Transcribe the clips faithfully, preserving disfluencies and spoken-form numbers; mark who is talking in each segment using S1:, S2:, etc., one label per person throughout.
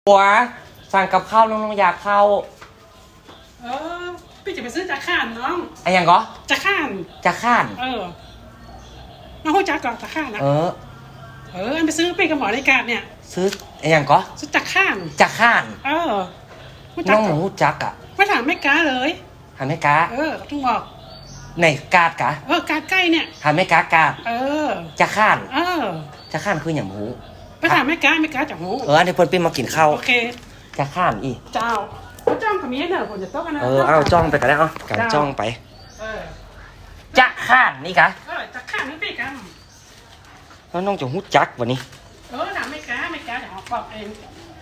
S1: หัวสั่งกับข้าวน้องๆอยากเข้า
S2: เออพี่จะไปซื้อจากข้านน้อง
S1: ไอ้ยังก็
S2: จากข้าน
S1: จากข้าน
S2: เออน้องหัวจักก่อนจากข้านนะ
S1: เออ
S2: เอออันไปซื้อไปกับหมอในการเนี่ย
S1: ซื้อไอ้ยังก็
S2: ซื้อจากข้าน
S1: จากข้าน
S2: เออ
S1: น้องหมูจักอ่ะ
S2: ไม่ถามไม่กล้าเลย
S1: ถามไม่กล้า
S2: เออต้องบอก
S1: ในกาดกะ
S2: เออกาดใกล้เนี่ย
S1: ถามไม่กล้ากาด
S2: เออ
S1: จากข้าน
S2: เออ
S1: จากข้านคืออย่างหมู
S2: ไม่ถามไม่กล้าไม่กล้าจากหมู
S1: เอออันนี้เพิ่นปิ้งมากินข้าว
S2: โอเค
S1: จากข้านอี
S2: เจ้าเขาจ้องกับเมียเนอะผมจะต้องกันนะ
S1: เออเอาจ้องไปกันแล้วเอาการจ้องไป
S2: เออ
S1: จากข้านนี่กะ
S2: เออจากข้านนี่ไปกัน
S1: แล้วน้องจะหูจักวันนี้
S2: เออถามไม่กล้าไม่กล้าเดี๋ยวเขาบอกเอง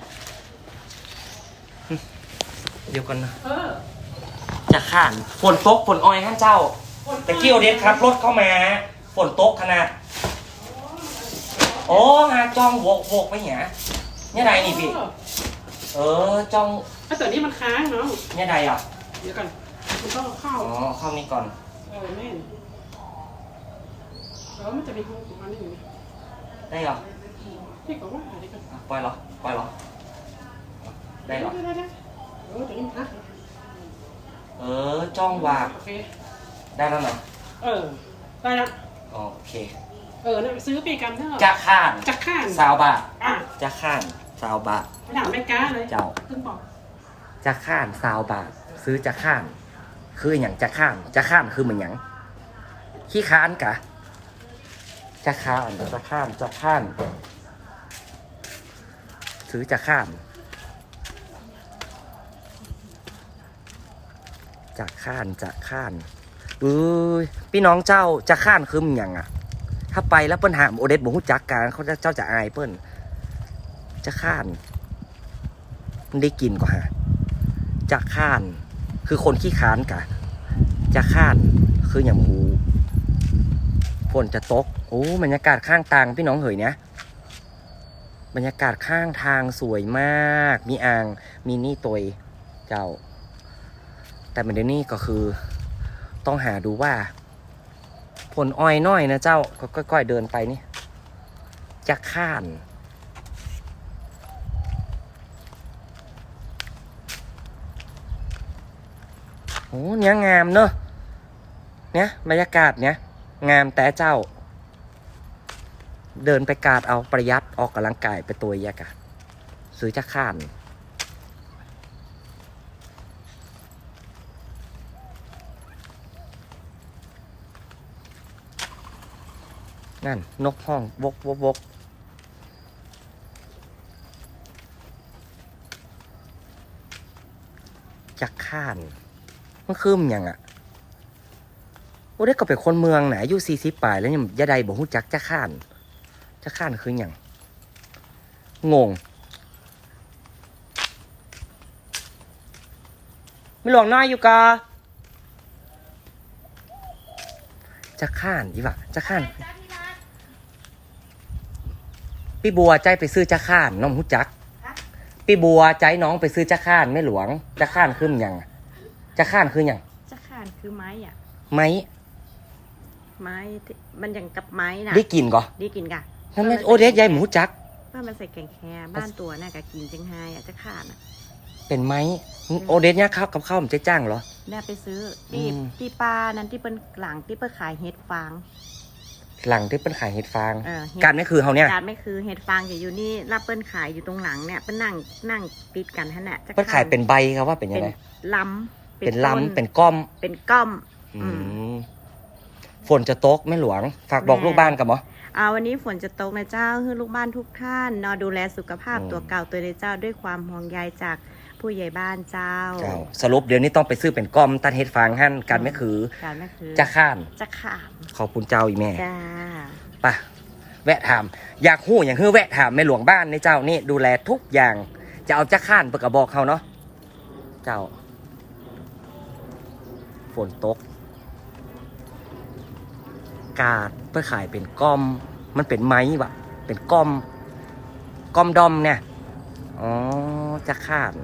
S1: เดี๋ยวกันนะ
S2: เออ
S1: จากข้านฝนตกฝนอ้อยท่านเจ้าแต่เกี่ยวเด็ดครับรถเข้ามาฝนตกขนาดโอ้ฮะจ้องโวกโวกไปเหี้ยเนี่ยใดนี่พี่เออจ้อง
S2: ไอ้ตัวนี้มันค้างเนาะ
S1: เนี่ยใดอ่ะ
S2: เดี๋ยวก่อนมันต้องเข้า
S1: อ๋อเข้านี่ก่อน
S2: เออแม่แล้วมันจะมีห้องของมันนี่
S1: ได้เหรอ
S2: พี่ก็ว่าอะไรกัน
S1: ปล่อยเหรอปล่อยเหรอได้เหรอ
S2: ได้ได้เออตัวนี้มันค้าง
S1: เออจ้องวาง
S2: โอเค
S1: ได้แล้วเนาะ
S2: เออได้ละ
S1: โอเค
S2: เออเนี่ยซื้อปีกันเท่าไหร่
S1: จะข้าน
S2: จะข้าน
S1: สาวบาท
S2: อ่ะ
S1: จะข้านสาวบาท
S2: ไม่ถามไม่กล้าเลย
S1: เจ้า
S2: ขึ้นบอก
S1: จะข้านสาวบาทซื้อจะข้านคืออย่างจะข้านจะข้านคือเหมือนอย่างขี้ค้านกะจะข้านจะข้านจะข้านซื้อจะข้านจะข้านจะข้านเอ้ยพี่น้องเจ้าจะข้านคือเหมือนอย่างอ่ะถ้าไปแล้วเปิ้นหามโอเดสบ่ฮู้จักกันเขาจะเจ้าจะอายเปิ้นจะข้านมันได้กินกว่าฮะจะข้านคือคนขี้ค้านกะจะข้านคืออย่างหูฝนจะตกโอ้บรรยากาศข้างทางพี่น้องเหยเนี้ยบรรยากาศข้างทางสวยมากมีอ่างมีนี่ตยเจ้าแต่มันเดี๋ยวนี้ก็คือต้องหาดูว่าผลอ้อยน้อยนะเจ้าก็ค่อยๆเดินไปนี่จะข้านโอ้เนี้ยงามเนอะเนี้ยบรรยากาศเนี้ยงามแต่เจ้าเดินไปกาดเอาประหยัดออกกำลังกายไปตัวยักษ์ซื้อจะข้านนั่นนกห้องวกวกวกจักข้านมันคืมยังอ่ะโอ้ได้ก็เป็นคนเมืองไหนอายุสี่สิบปลายแล้วยังยาใดบอกหูจักจักข้านจักข้านคืออย่างงงไม่หลวงน้อยอยู่กะจักข้านดีป่ะจักข้านพี่บัวใจไปซื้อจักข้านน้องหูจักพี่บัวใจน้องไปซื้อจักข้านไม่หลวงจักข้านคืออย่างจักข้านคืออย่าง
S3: จักข้านคือไม้อ่ะ
S1: ไม้
S3: ไม้มันอย่างกับไม้นะ
S1: ได้กินก่อ
S3: ได้กินกะ
S1: นั่นแม่โอเดสยายหมูจัก
S3: ว่ามันใส่แกงแคบ้านตัวน่ะกะกินจังไฮอ่ะจักข้านอ่ะ
S1: เป็นไม้โอเดสเนี่ยข้าวกับข้าวมันจะจ้างเหรอ
S3: แม่ไปซื้อที่ที่ปลานั้นที่เป็นหลังที่เป็นขายเห็ดฟาง
S1: หลังที่เป็นขายเห็ดฟางการไม่คือเขาเนี่ย
S3: การไม่คือเห็ดฟางอยู่นี่รับเปิ้ลขายอยู่ตรงหลังเนี่ยเป็นนั่งนั่งติดกันท่านน่ะ
S1: เปิ้ลขายเป็นใบครับว่าเป็นยังไง
S3: ล้ำ
S1: เป็นล้ำเป็นก้อม
S3: เป็นก้อม
S1: ฝนจะตกแม่หลวงฝากบอกลูกบ้านกับหมอ
S3: เอาวันนี้ฝนจะตกนะเจ้าคือลูกบ้านทุกท่านนอนดูแลสุขภาพตัวเก่าตัวในเจ้าด้วยความห่วงใยจากผู้ใหญ่บ้านเจ้า
S1: สรุปเดี๋ยวนี้ต้องไปซื้อเป็นก้อมตัดเห็ดฟางหั่นกันไม่คือจะข้าน
S3: จะข้าน
S1: ขอบคุณเจ้าอีแม่
S3: จ้า
S1: ป่ะแวะถามอยากหู้อย่างคือแวะถามแม่หลวงบ้านในเจ้านี่ดูแลทุกอย่างจะเอาจะข้านเปิดกระบอกเขาเนาะเจ้าฝนตกกาดเพื่อขายเป็นก้อมมันเป็นไม้วะเป็นก้อมก้อมดอมเนี่ยอ๋อจะข้าน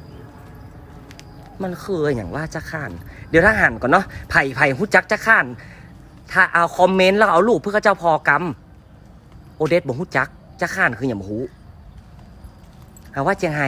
S1: มันคืออย่างว่าจะข้านเดี๋ยวถ้าหันก่อนเนาะไผ่ไผ่หุจักจะข้านถ้าเอาคอมเมนต์แล้วเอารูปเพื่อเจ้าพอกรรมโอเดสบอกหุจักจะข้านคืออย่างหูหาว่าเจียงไฮ้